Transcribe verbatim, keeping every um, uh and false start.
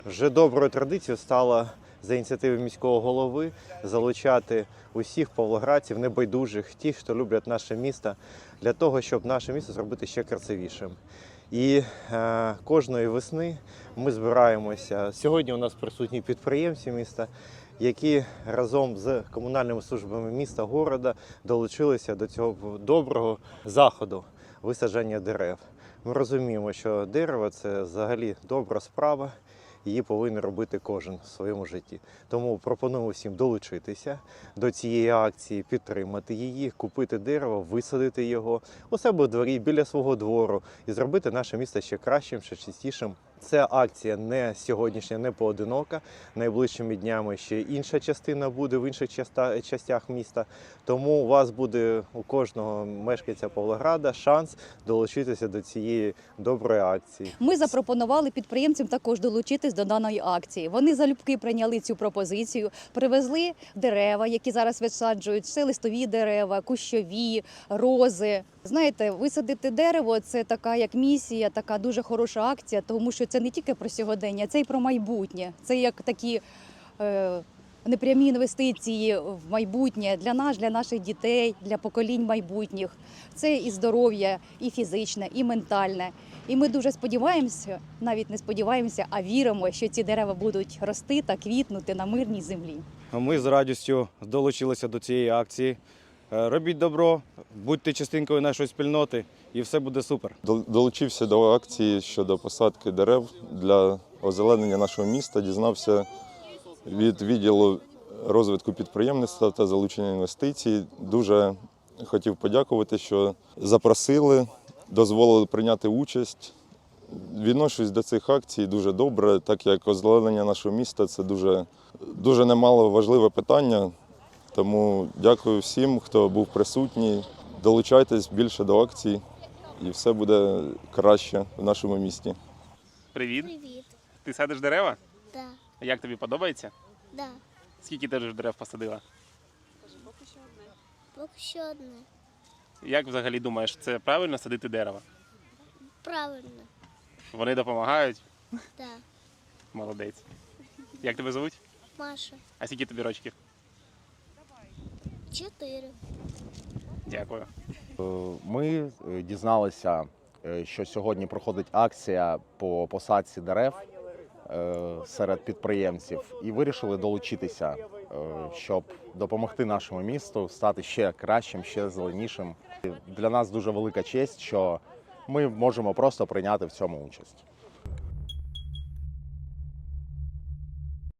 Вже доброю традицією стало за ініціативи міського голови залучати усіх павлоградців, небайдужих, тих, хто люблять наше місто, для того, щоб наше місто зробити ще красивішим. І е, кожної весни ми збираємося. Сьогодні у нас присутні підприємці міста, які разом з комунальними службами міста, города долучилися до цього доброго заходу висадження дерев. Ми розуміємо, що дерево – це взагалі добра справа, її повинен робити кожен в своєму житті. Тому пропоную всім долучитися до цієї акції, підтримати її, купити дерево, висадити його у себе у дворі, біля свого двору і зробити наше місто ще кращим, ще чистішим. Ця акція не сьогоднішня, не поодинока. Найближчими днями ще інша частина буде в інших частях міста. Тому у вас буде, у кожного мешканця Павлограда, шанс долучитися до цієї доброї акції. Ми запропонували підприємцям також долучитись до даної акції. Вони залюбки прийняли цю пропозицію, привезли дерева, які зараз висаджують, це листові дерева, кущові, рози. Знаєте, висадити дерево – це така як місія, така дуже хороша акція, тому що це не тільки про сьогодення, це й про майбутнє. Це як такі е, непрямі інвестиції в майбутнє для нас, для наших дітей, для поколінь майбутніх. Це і здоров'я, і фізичне, і ментальне. І ми дуже сподіваємося, навіть не сподіваємося, а віримо, що ці дерева будуть рости та квітнути на мирній землі. Ми з радістю долучилися до цієї акції. Робіть добро, будьте частинкою нашої спільноти і все буде супер. Долучився до акції щодо посадки дерев для озеленення нашого міста. Дізнався від відділу розвитку підприємництва та залучення інвестицій. Дуже хотів подякувати, що запросили, дозволили прийняти участь. Відношусь до цих акцій дуже добре, так як озеленення нашого міста – це дуже, дуже немало важливе питання. Тому дякую всім, хто був присутній. Долучайтесь більше до акцій і все буде краще в нашому місті. Привіт. Привіт. Ти садиш дерева? Да. Як тобі подобається? Да. Скільки ти вже дерев посадила? Поки що одне. Як взагалі думаєш, це правильно садити дерева? Правильно. Вони допомагають? Да. Молодець. Як тебе звуть? Маша. А скільки тобі рочків? Чотири. Дякую. Ми дізналися, що сьогодні проходить акція по посадці дерев серед підприємців і вирішили долучитися, щоб допомогти нашому місту стати ще кращим, ще зеленішим. Для нас дуже велика честь, що ми можемо просто прийняти в цьому участь.